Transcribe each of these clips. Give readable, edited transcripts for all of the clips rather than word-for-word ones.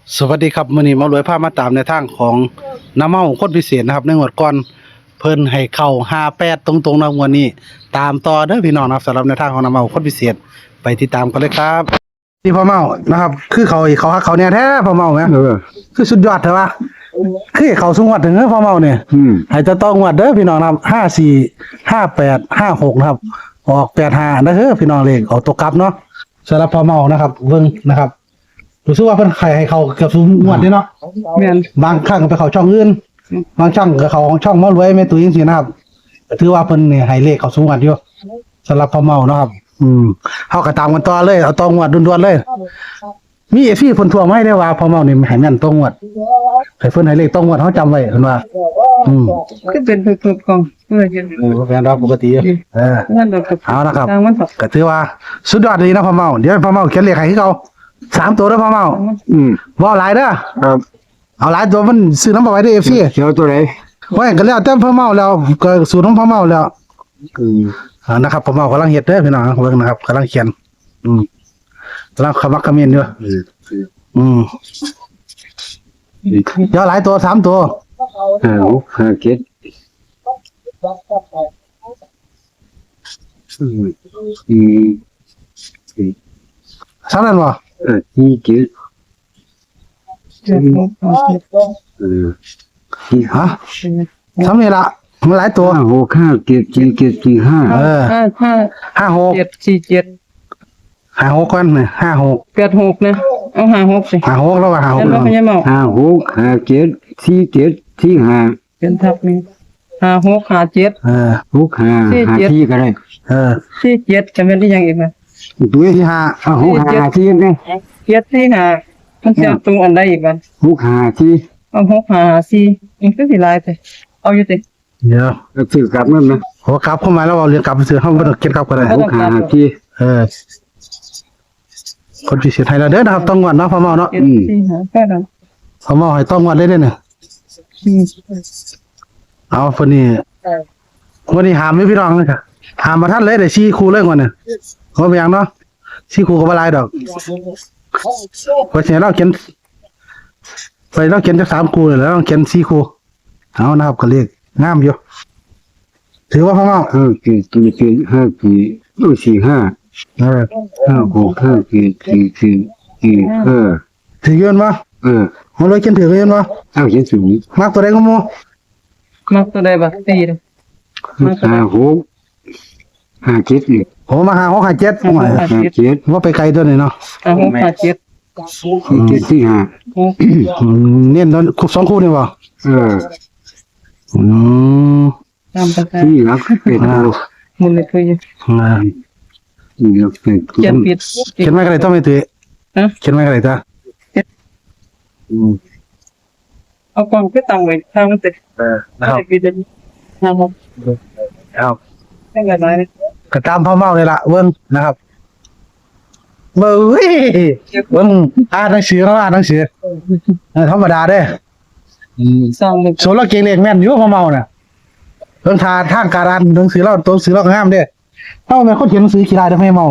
สวัสดีครับมื้อนี้หมารวยพามาตามในทางของน้ำเมาคนพิเศษนะครับในงวดก่อนเพิ่นให้เข้า58ตรงๆนะงวดนี้ตามต่อเด้อพี่น้องนะครับสำหรับในทางของน้ำเมาคนพิเศษไปติดตามกันเลยครับที่พ่อเมานะครับคือเขาฮักเขาเนี่ยแท้พ่อเมาแหมคือสุดยอดเถอะวะคือให้เขาสูงวัดถึงเด้อพ่อเมาเนี่ยให้จะต้องงวดเด้อพี่น้องนะครับ54 58 56นะครับออก85นะเด้อพี่น้องเลขเอาตัวกลับเนาะสำหรับพ่อเมานะครับเบิ่งนะครับรู้สึกว่าเพิ่นให้เขาเกือบสูงงวดนี่เนาะแม่นบางครั้งก็ไปเข้าช่องอื่นบางช่องก็เข้าของช่องหมารวยแม่ตุ้ยจังซี่นะครับก็ถือว่าเพิ่นนี่ให้เลขเขาสูงกว่าอยู่สำหรับพ่อเมาเนาะครับเฮาก็ตามกันต่อเลยเอาต่องวดด่วนๆเลยมี FC เพิ่นทวงมาให้ได้ว่าพ่อเมานี่ให้แม่นต่องวดให้เพิ่นให้เลขต่องวดเฮาจำไว้เพิ่นว่าคือเป็นฝึกๆของเพื่อจะแม่นรับปกตินั่นดอกกับเอานะครับทางมันก็ถือว่าสุดยอดดีนะพ่อเมาเดี๋ยวพ่อเมาเขียนเลขให้คือเก่า3ตัวเด้อพ่อเมาบ่หลายเด้อครับเอาหลายตัวมันซื้อน้ำบ่ไหวเด้อ FC เขียวตัวไหนว่าก็แล้วแต่พ่อเมาแล้วก็สูตรของพ่อเมาแล้วนะครับพ่อเมากำลังเฮ็ดเด้อพี่น้องเบิ่งนะครับกำลังเขียนกำลังขมักเขม้นอยู่เดี๋ยวหลายตัว3ตัว 5 7 ซ้ำนั่นบ่ 4 7 ฮะซ้ำนี่ล่ะมันหลายตัว 5 6 5 7 4 7 4 5 56 747 56ก่อนนี่56 86นะเอา56สิ 56แล้วว่า56 แล้วมันยังเมา 5 6 5 7 4 7 4 5 เป็นทับนี่5657 6 5 5 4ก็ได้ 47จะเป็นได้ยังอีกมั้ยตัวที่ 5 6 5 4นี่ 745มันจะตรงอันใดอีกมั้ย 6 5 4 เอา6554นี่คือสิหลายไปเอาอยู่ติเดี๋ยวซื้อกลับนั่นนะโหกลับเข้ามาแล้วเอาเรียนกลับซื้อเฮาบ่ต้องเก็บกลับก็ได้ 6 5 4 คนพิเศษให้เราเด้อนะครับต้องงวดเนาะพ่อเมาเนาะแค่นั้นพ่อเมาให้ต้องงวดเลยเด้อเนี่ยเอาเพิ่นนี่วันนี้หามพี่น้องเลยค่ะหามมาทันเลยได้4คู่เลยก่อนเนี่ยบ่เป็นหยังเนาะ4คู่ก็บ่หลายดอกเพราะฉะนั้นเราเขียนจัก3คู่แล้วเราเขียน4คู่เอานะครับก็เลขงามอยู่ถือว่าพ่อเมา 5 7 7 5 4 5 5 6 5 7 4 4 5 ถือเงินบ่มันเลยเขียนถือเงินบ่เอาเขียนสูงมักตัวใดก็หมู่มักตัวใดบ่ตีเด้ 5 6 5 7นี่โอ้มา5 6 5 7ว่าไปไกลตัวนี้เนาะ 5657 7 4 5 เน้นตอน2คู่นี่บ่ตามไปนี่ครับเป็นมันเลยคือนี่ครับเป็นเขียนผิดเขียนไม่ก็ได้ต้องไม่ตื้อเขียนไม่ก็ได้จ้ะเอากล่องไปตั้งไว้ทางมันติดนะครับครับได้กันไหมก็ตามพ่อเมาเลยล่ะเบิ่งนะครับเบิ่งอ่านหนังสือเนาะอ่านหนังสือธรรมดาเด้สร้างโซโลเก่งเลขแม่นอยู่พ่อเมาน่ะเพิ่งทางการอ่านหนังสือเราตัวหนังสือเรางามเด้เอ้าแม่คนเขียนหนังสือขี้ลายได้ไม่เมา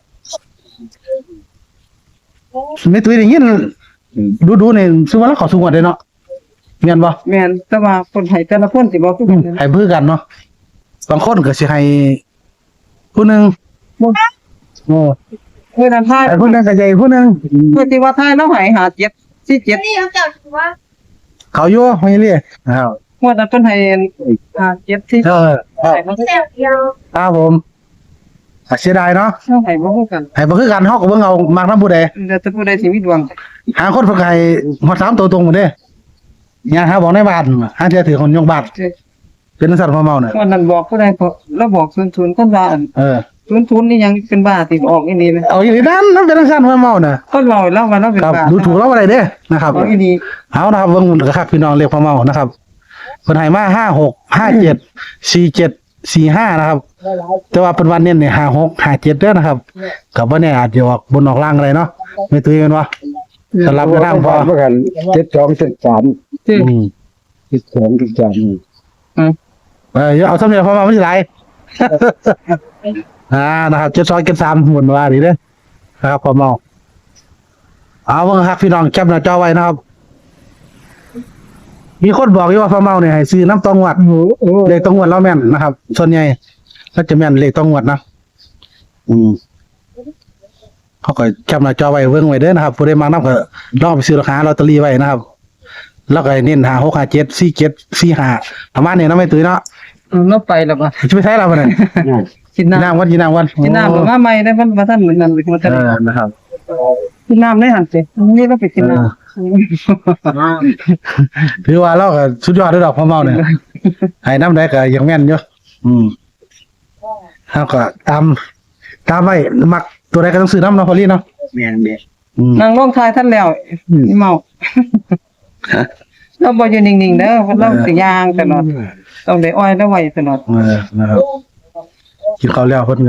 ไม่ตุ้ยได้ยินดูนี่ซึ่งว่าเราขอสูงกว่าเด้เนาะแม่นบ่แม่นแต่ว่าคนให้แต่ละคนสิบ่คือกันให้เพื่อกันเนาะบางคนก็สิให้ผู้นึงโอ้เพื่อนทายผู้นึงก็ใหญ่ผู้นึงเพื่อที่ว่าทายแล้วให้57 47 นี่เขาจับว่าเขาอยู่ไม่เรียกว่าแต่เพิ่นให้57ที่ให้เขาเสียเดียวครับผมเสียดายเนาะให้บ่คือกันให้บ่คือกันเฮาก็เบิ่งเอามักนำผู้ใดแล้วแต่ผู้ใดสิมีดวงหาคนเพิ่นก็ให้ฮอด3ตัวตรงหมดเด้ย่างหาบอกในบ้านหาเทื่อถือคนยกบาทเป็นสัตว์พ่อเมาน่ะวันนั้นบอกผู้ใดแล้วบอก00คนว่า00นี่ยังเป็นบ้าติออกอีนี่มั้ยเอาอีนี่นั่นเป็นสัตว์พ่อเมาน่ะคนเว้าแล้วว่าเราเป็นบ้าดูถูกเราบ่ได้เด้นะครับเอาอีนี่เอานะครับเบิ่งก็คักพี่น้องเรียกพ่อเมานะครับเพิ่นให้มา56 57 47 45นะครับแต่ว่าเป็นวันเน้นนี่56 57เด้อนะครับก็บ่แน่อาจจะออกบนออกล่างอะไรเนาะไม่ตื้อกันวะสำหรับร่างพอเหมือนกัน72 7372 73 เอาสำเร็จพอมาไม่ใช่ไรนะครับ72 73หมุนว่าดีเด้อนะครับพอเมาเอาเบิ่งครับพี่น้องแคปหน้าจอไว้นะครับ มีคนบอกอยู่ว่าพ่อเมาเนี่ยให้ซื้อน้ำตองหวัดเลขตองหวัดเราแม่นนะครับ ส่วนใหญ่ก็จะแม่นเลขตองหวัดนะเขาก็แคปหน้าจอไว้เบิ่งไว้เด้อนะครับผู้ใดมานำก็ลองไปซื้อราคาลอตเตอรี่ไว้นะครับ แล้วก็เน้นหา6 5 7 4 7 4 5ประมาณนี้เนาะไม่ตื้อเนาะเราไปแล้วบ่จะไปใช้เราบ่นั่นกินน้ำน้ำวันกินน้ำวันกินน้ำหรือว่าไม่ได้มันมาท่านเหมือนนั้นเลยมาท่านนะครับกินน้ำได้หันสินี่เราไปกินน้ำถือว่าเราก็สุดยอดด้วยดอกพ่อเมาเนี่ยให้น้ำได้ก็ยังแม่นอยู่แล้วก็ตามไว้มักตัวใดก็ต้องซื้อน้ำเนาะพอลี่เนาะแม่นแม่นางร้องทายท่านแล้วนี่เมาเราบ่อยู่นิ่งๆเด้อเพราะเราสิย่างตลอดต้องได้อ้อยได้ไว้ตลอดนะครับกินข้าวแล้วเพิ่น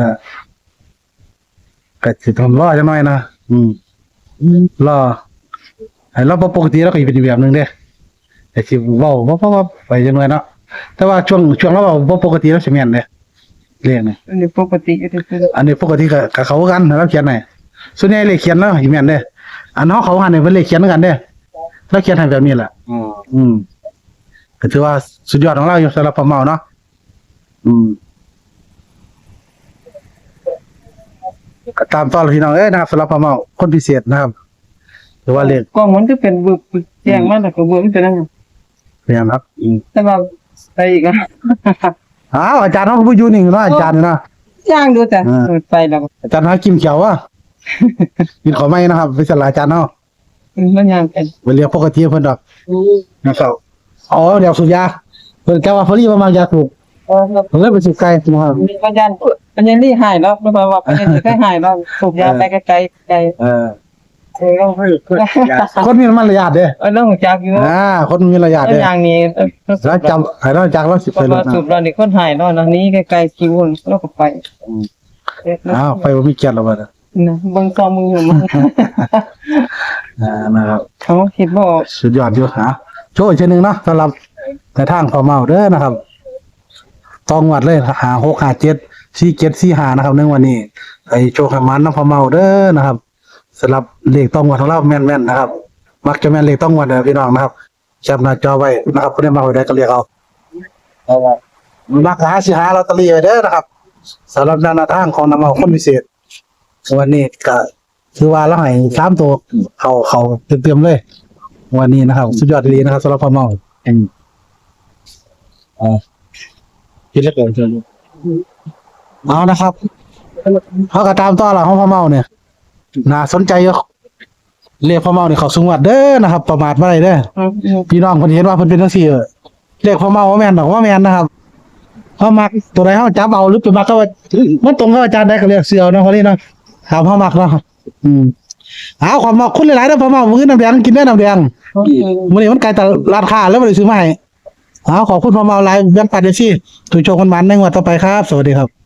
ก็สิต้องรอจังหน่อยนะรอให้เราบ่ปกติเราก็สิเป็นอีกแบบหนึงเด้แต่สิเว้าบ่ไปจังหน่อยเนาะแต่ว่าช่วงเราเว้าบ่ปกติเราสิแม่นเด้เรื่องนี้อันนี้ปกติอยู่ที่คืออันนี้ปกติก็เขากันเราเขียนให้ส่วนใหญ่เลขเขียนแล้วสิแม่นเด้อันเฮาเขาหันให้เพิ่นเลขเขียนกันเด้เราเขียนให้แบบนี้แหละก็ถือว่าสุดยอดของเราอยู่สำหรับพ่อเมาเนาะก็ตามต่อเลยพี่น้องนะครับสำหรับพ่อเมาคนพิเศษนะครับหรือว่าเลขกล้องมันก็เป็นบึกแจ้งมาแล้วก็บึกเป็นนั่นเรียนครับแต่ว่าไปอีกอ่ะอ้าวอาจารย์เฮาก็บ่อยู่นิ่งเนาะอาจารย์เนาะย่างดูจ้ะไปแล้วอาจารย์หากินเขียวว่ะกินขอไม่นะครับไปสลาอาจารย์เนาะมันย่างกันไปเรียกปกติเพิ่นดอกนะครับอ๋อเดี๋ยวสูบยาเพิ่นแกว่าเพิ่นรีบมายาสูบเพิ่นเลยไปสูบไกลนะครับมีปัญญาปัญญาลี่หายแล้วไม่ว่าปัญญาลี่เคยหายแล้วสูบยาไปไกลๆไกลต้องให้เพิ่นยาคนมีมารยาทเด้เรื่องของจักอยู่คนมีมารยาทเด้อย่างนี้แล้วจำให้เราจักเราสิเพไปราะรว่าถนะสูบเรานี่คนหายแล้วนะนี้ไกลๆคิวแล้วก็ไปอ้าวไปบ่มีเกียรติแล้วบัดน่ะนะเบิ่งซอมือมันนะครับเขาคิดบ่สุดยอดอยู่ฮะโชว์อีกเช่นหนึงเนาะสำหรับในทางพ่อเมาเด้อนะครับต้องวัดเลยหา6 5 7 4 7 4 5นะครับในวันนี้ไอ้โชคให้มันนำพ่อเมาเด้อนะครับสำหรับเลขต้องวัดของเราแม่นๆนะครับ มักจะแม่นเลขต้องวัดเด้อพี่น้องนะครับแคปหน้าจอไว้นะครับผู้ใดมาไว้ได้ก็เรียกเอามักหาสิหาลอตเตอรี่ไว้เด้อนะครับสำหรับแนวทางของนำเอาคนพิเศษวันนี้ก็คือว่าเราให้3ตัวเขาเต็มๆเลย วันนี้นะครับสุดยอดดีนะครับสำหรับพ่อเมาคิดแล้วเกินเชิญเอานะครับเขาก็ตามต่อหลังของพ่อเมาเนี่ยน่าสนใจอยู่เรียกพ่อเมาเนี่ยเขาสูงวัดเด้อนะครับ ประมาทบ่ได้เด้อพี่น้องเพิ่นเห็นว่าเพิ่นเป็นจังซี่เรียกพ่อเมาว่าแม่นดอกว่าแม่นนะครับเฮามักตัวใดเฮาจับเอาหรือไปมักก็ว่ามันตรงกับอาจารย์ได้ก็เรียกเสือเนาะพอนี้เนาะถามเฮามักเนาะเอาความมักคุณหลายๆเด้อพ่อเมามื้อน้ำแดงกินได้น้ำแดง มื้อนี้มันไกลตลาดค้าแล้วบ่ได้ซื้อมาให้ขอบคุณพ่อเมาหลายแบ่งปันจังซี่ถูกโชคกันมันในงวดต่อไปครับ สวัสดีครับ